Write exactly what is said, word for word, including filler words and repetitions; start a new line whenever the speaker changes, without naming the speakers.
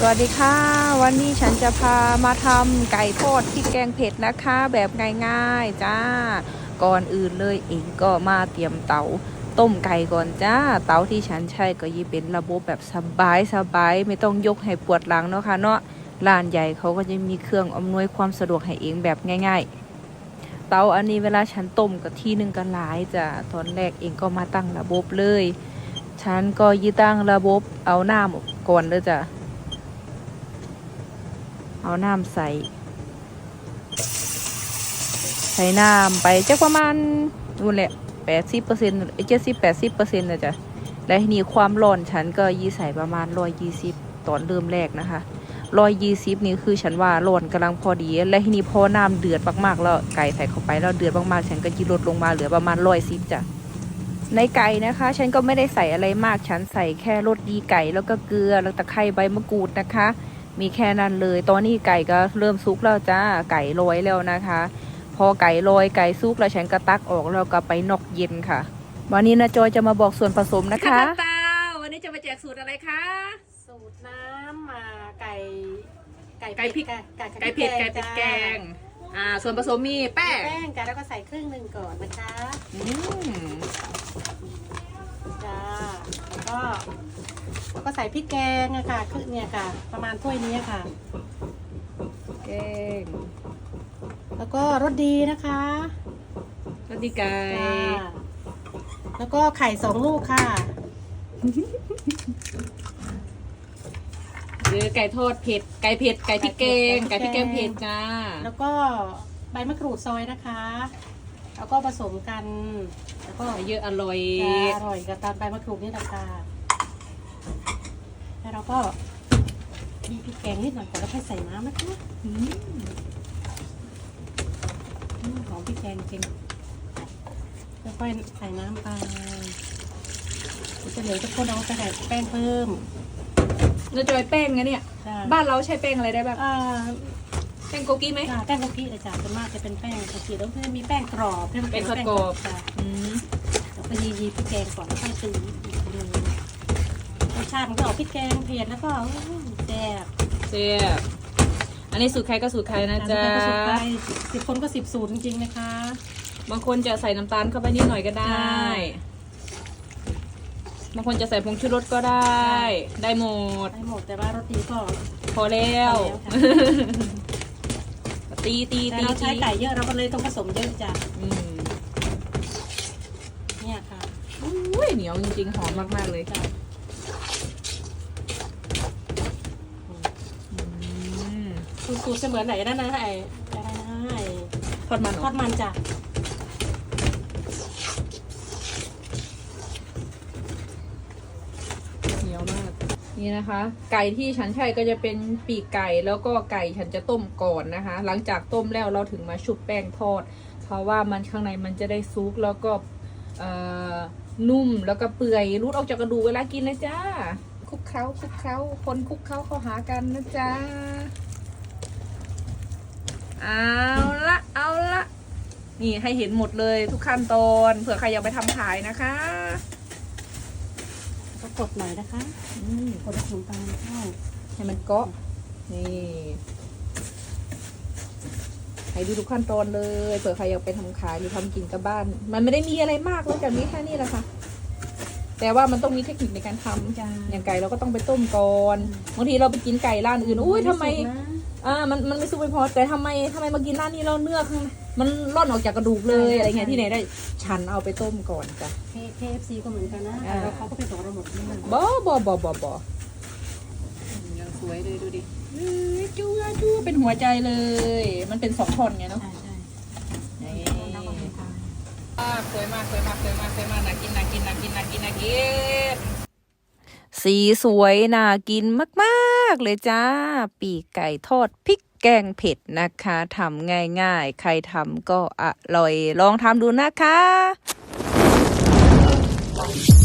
สวัสดีค่ะวันนี้ฉันจะพามาทำไก่ทอดพริกแกงเผ็ดนะคะแบบง่ายๆจ้าก่อนอื่นเลยเองก็มาเตรียมเตาต้มไก่ก่อนจ้าเตาที่ฉันใช้ก็ยี่เป็นระบบแบบสบายสบายไม่ต้องยกให้ปวดหลังเนาะค่ะเนาะร้านใหญ่เขาก็จะมีเครื่องอำนวยความสะดวกให้เองแบบง่ายๆเตาอันนี้เวลาฉันต้มก็ทีนึงก็หลายจ้าตอนแรกเองก็มาตั้งระบบเลยฉันก็ยี่ตั้งระบบเอาน้ำก่อนเลยจ้ะเอาน้ำใส่ใส่น้ำไปจะประมาณนู่นแหละแปดสิบเปอร์เซ็นต์เจ็ดสิบแปดสิบเปอร์เซ็นต์นะจ๊ะและทีนี้ความร้อนฉันก็ยี่ใส่ประมาณร้อยยี่สิบตอนเริ่มแรกนะคะร้อยยี่สิบนี่คือฉันว่าร้อนกำลังพอดีและทีนี้พอน้ำเดือดมากๆแล้วไก่ใส่เข้าไปแล้วเดือดมากๆฉันก็ยีลดลงมาเหลือประมาณร้อยสิบจ้ะในไก่นะคะฉันก็ไม่ได้ใส่อะไรมากฉันใส่แค่รสดีไก่แล้วก็เกลือแล้วตะไคร้ใบมะกรูดนะคะมีแค่นั้นเลยตอนนี้ไก่ก็เริ่มสุกแล้วจ้าไก่ลอยแล้วนะคะพอไก่ลอยไก่สุกแล้วฉันก็ตักออกแล้วก็ไปนอกเย็นค่ะวันนี้นะจอยจะมาบอกส่วนผสมนะคะตาวันนี้จะมาแจกสูตรอะไรคะ
สูตรน้ำมาไก่
ไก่ไก่พริกไก่ไก่เผ็ดไก่พริกแกงอ่าส่วนผสมมีแป้ง
แป้งกันแล้วก็ใส่ครึ่งหนึ่งก่อนนะคะ
อืม
จ้าแล้วก็แล้วก็ใส่พริกแกงอะค่ะคือเนี่ยค่ะประมาณถ้วยนี้ค่ะ
แกง
แล้วก็รสดีนะคะ
รสดีไก่
แล้วก็ไข่สองลูกค่ะ
หรือไก่ทอดเผ็ดไก่เผ็ดไก่พริกแกงไก่พริกแกงเผ็ดจ้า
แล้วก็ใบมะกรูดซอยนะคะแล้วก็ผสมกันแล้วก็
เยอะอร่อย
อร่อยกับตามใบมะกรูดนี่แหละค่ะแล้วเราก็มีพริกแกงนิดหน่อยก่อนแล้วค่อยใส่น้ำนะคะหอมพริกแกงจริงแล้วค่อยใส่น้ำไปจะเหลือจะคนเอาไปใส่แป้งเพิ่ม
เราจะไปแป้งไงเนี่ยบ้านเราใช้แป้งอะไรได้บ้างแป้งโกกี้ไหม
แป้งโกกี้อาจารย์ส่วนมากจะเป็นแป้งโกกี้แล้วจะมีแป้งกรอบ
แป้งกรอบ
ค่ะแล้วก็ยียีพริกแกงก่อนแล้วค่อยตีรสชาติมันก็ออกพริกแกงเผ็ดแล้วก็แซ่บ
แซ่บอันนี้สูตรใครก็สูตรใครนะจ๊ะ
สิบคนก็สิบสูตรจริงๆนะคะ
บางคนจะใส่น้ำตาลเข้าไปนิดหน่อยก็ได้บางคนจะใส่ผงชูรสก็ได้ได้หมด
ได้หมดแต่ว่ารสดีก็
พอแล้วตีตีตี
เราใช้ไก่เยอะเราก็เลยต้องผสมเยอะจ้ะเนี่ยค่ะ
อุ้ยเหนียวจริงๆหอมมากๆเลยค่ะ
สูตรเสมือนไหนนั่นนะไอ้อะไรนะไอ้
ทอดมัน
ทอดมันจ้ะ
เหนียวมากนี่นะคะไก่ที่ฉันใช้ก็จะเป็นปีกไก่แล้วก็ไก่ฉันจะต้มก่อนนะคะหลังจากต้มแล้วเราถึงมาชุบแป้งทอดเพราะว่ามันข้างในมันจะได้ซุกแล้วก็นุ่มแล้วก็เปื่อยรูดออกจากกระดูกเวลากินนะจ้าคลุกเคล้าคลุกเคล้าคนคลุกเคล้าเข้าหากันนะจ๊ะเอาละเอาละนี่ให้เห็นหมดเลยทุกขั้นตอนเผื่อใครอยากไปทำขายนะคะ
ก็กดหน่อยนะคะกดขนมปังเข้า
ให้มันเกาะนี่ให้ดูทุกขั้นตอนเลยเผื่อใครอยากไปทำขายหรือทำกินกับบ้านมันไม่ได้มีอะไรมากนอกจากนี้แค่นี้แหละค่ะแต่ว่ามันต้องมีเทคนิคในการทำอย่างไก่เราก็ต้องไปต้มก่อนบางทีเราไปกินไก่ร้านอื่นอุ้ยทำไมอ่ามันมันไม่สุกไม่พอแต่ทำไมทำไมมากินร้านนี้เราเนื้อมันร่อนออกจากกระดูกเลยอะไรเงี้ยที่ไหนได้ฉันเอาไปต้มก่อนจ้ะ
เค เอฟ ซี ก็เหมือนกันนะแล้วเขาก็ไปส่งเราหมดนี่
บ่บ่บ่บ่บ่ยังสวยเลยดูดิจู้จู้เป็นหัวใจเลยมันเป็นสองท่อนไงเนาะใช่สวยมากสวยมากสวยมากสวยมากน่ากินน่ากินน่ากินน่ากินน่ากินสีสวยน่ากินมากๆเลยจ้าปีกไก่ทอดพริกแกงเผ็ดนะคะทำง่ายๆใครทำก็อร่อยลองทำดูนะคะ